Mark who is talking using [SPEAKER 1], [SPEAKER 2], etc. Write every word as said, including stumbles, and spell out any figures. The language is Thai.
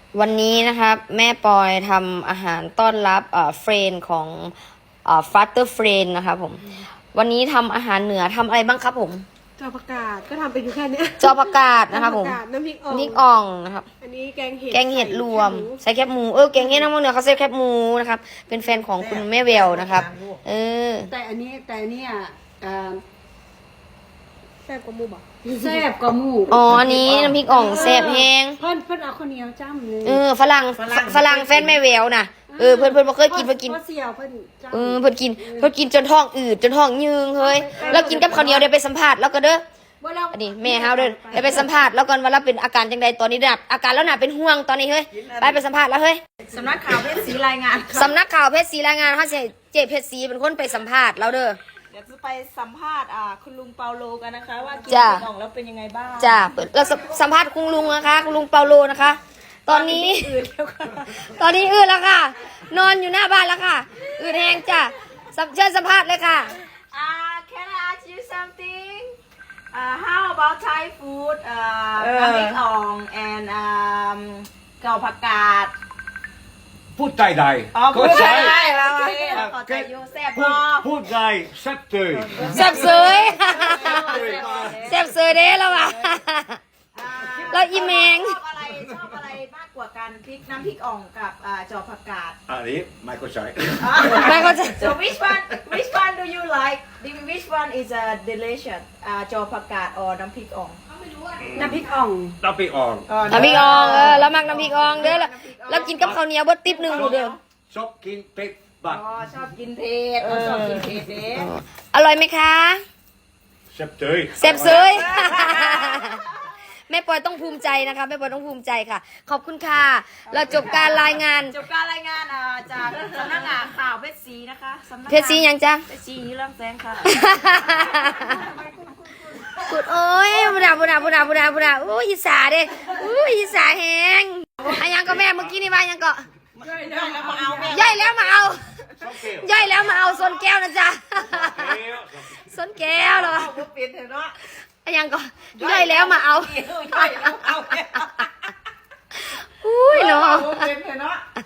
[SPEAKER 1] วันนี้นะครับแม่ปอยทำอาหารต้อนรับเอ่อเฟรนของเอ่อฟาสเตอร์เฟรนนะครับผมวันนี้ทำอาหารเหนือทำอะไรบ้างครับผม
[SPEAKER 2] จอผักกาดก็ทำไปอยู่แค่นี้
[SPEAKER 1] จอผักกาดนะครับผม
[SPEAKER 2] น้ำพริกอ่อง
[SPEAKER 1] น้ำพริกอ่องนะครับ
[SPEAKER 2] อันนี้แกงเห็ด
[SPEAKER 1] แกงเห็ดรวมใส่แคบหมูเออแกงเห็ดน้ำมันเหนือเขาใส่แคบหมูนะครับเป็นแฟนของคุณแม่เวลนะครับเออ
[SPEAKER 3] แต่อันนี้แต่อันนี้อ่ะอ่า
[SPEAKER 2] แซ่บกว่าหมูบอก
[SPEAKER 3] แซ่บกว่าหมู
[SPEAKER 1] อ๋ออันนี้น้ำพริกอ่องแซ่บแห้ง
[SPEAKER 3] เพิ่นเพิ่นเอาข้าวเหนียวจ้ำเลย
[SPEAKER 1] เออฝรั่งฝรั่งแฟนแม่เวลน่ะเออเพิ่นเพิ่นบ่เคยกินเพิ่นกิน
[SPEAKER 3] พ่อเสี่ยวเพิ่นจ้ำ
[SPEAKER 1] เออเพิ่นกินเพิ่นกินจนท้องอืดจนท้องยืงเฮ้ยแล้วกินกับข้าวเหนียวเดี๋ยวไปสัมภาษณ์แล้วก็เด้อ
[SPEAKER 3] บ่เรา
[SPEAKER 1] อันนี้แม่เฮาเด้อไปไปสัมภาษณ์แล้วก่อนว่าเราเป็นอาการจังใดตอนนี้ดับอาการแล้วน่ะเป็นห่วงตอนนี้เฮ้ยไปไปสัมภาษณ์แล้วเฮ้ย
[SPEAKER 4] สำนักข่าวเพชรศรีรายงาน
[SPEAKER 1] สำนักข่าวเพชรศรีรายงานเฮาสิเจเพชรศรีเป็นคนไปสัมภาษณ์เราเด้อ
[SPEAKER 4] เดี๋ยวจะไปสัมภาษณ์อ่าคุณลุงเปาโลกันนะคะ ว่ากิน
[SPEAKER 1] จ้ะ
[SPEAKER 4] กล่องแล้วเป็นยังไงบ้าง
[SPEAKER 1] จ้าเราสัมภาษณ์คุณลุงนะคะคุณลุงเปาโลนะคะ ตอนนี้
[SPEAKER 4] อื่นแล้วค่ะ
[SPEAKER 1] ตอนนี้อืดแล้วค่ะ นอนอยู่หน้าบ้านแล้วค่ะอืดแห้งจ้ะสัมเชิญสัมภาษณ์เลยค่ะ
[SPEAKER 4] อ่า can I ask you something อ่า how about Thai food อ่าน้ำพริกอ่อง and อ่าเก่าผักกาด
[SPEAKER 5] พูดใจใด
[SPEAKER 4] อ๋อพูดได้แล้วโอเคขอใจอยู่แซ่บ
[SPEAKER 5] พู
[SPEAKER 4] พ
[SPEAKER 5] ด
[SPEAKER 4] อ
[SPEAKER 5] พูดใจแซ่บเตย
[SPEAKER 1] แซ่บเสยแซ่บเสยเด้แล้วว่ะ
[SPEAKER 4] อ่า
[SPEAKER 1] แล้วอีแมง
[SPEAKER 4] ชอบอะไรชอบอะไรมากกว่ากันพริกน้ำพริกอ่องกับอ่าจอผักกาด
[SPEAKER 5] อันนี้ไม่เข้าใจ
[SPEAKER 1] ไม่เข้าใจ
[SPEAKER 4] So which one which one do you like which one is a delicious อ่าจอผักกาด or น้ำพริกอ่อง
[SPEAKER 3] น้ำพริกอ่อง
[SPEAKER 5] น้ำพริกอ่อน
[SPEAKER 1] น้ำพริกอ่องเออแล้วมักน้ำพริกอ่องเด้อแล้วแล้วกินกับข้าวเหนียวเบดติ๊บหนึ่งดูเด้อ
[SPEAKER 5] ชอบกินเป็ดบัก
[SPEAKER 4] อ๋อชอบกินเผ็ดอ๋อชอบกินเผ็ดเด้
[SPEAKER 1] อร่อยไหมคะ
[SPEAKER 5] แซ่บเตย
[SPEAKER 1] แซ่บเสย แม่ปอยต้องภูมิใจนะคะแม่ปอยต้องภูมิใจค่ะ ขอบคุณค่ะเราจบการรายงาน
[SPEAKER 4] จบการรายงานอ่าจากสำนักงานข่าวเพชรศรีนะคะสำนักงาน
[SPEAKER 1] เพชรศรียังจ้ะ
[SPEAKER 4] เพชรศรีเรื่องแสงค่ะ
[SPEAKER 1] กุดโอ้ยบุดาบุดาบุดาบุดาบุดาอู้ยอีสาเด้อู้ยอีสาแหงอันยังก็แม่เมื่อกี้นี่ว่ายังก็
[SPEAKER 4] มาเอาแม่
[SPEAKER 1] ย่อยแล้วมาเอา
[SPEAKER 5] ชอบเกลียว
[SPEAKER 1] ย่อยแล้วมาเอาส้นแก้วนะจ๊ะ
[SPEAKER 5] เกลียว
[SPEAKER 1] ส้นแก้วเหรอ
[SPEAKER 4] เอาเปลี่ยนเถอะเนาะ
[SPEAKER 1] อันยังก็ย่อยแล้วมาเอา
[SPEAKER 4] ย่อยแล้วเอาแม่
[SPEAKER 1] อุ้ยเนาะ
[SPEAKER 4] เอาเปลี่ยนเถอะเนาะ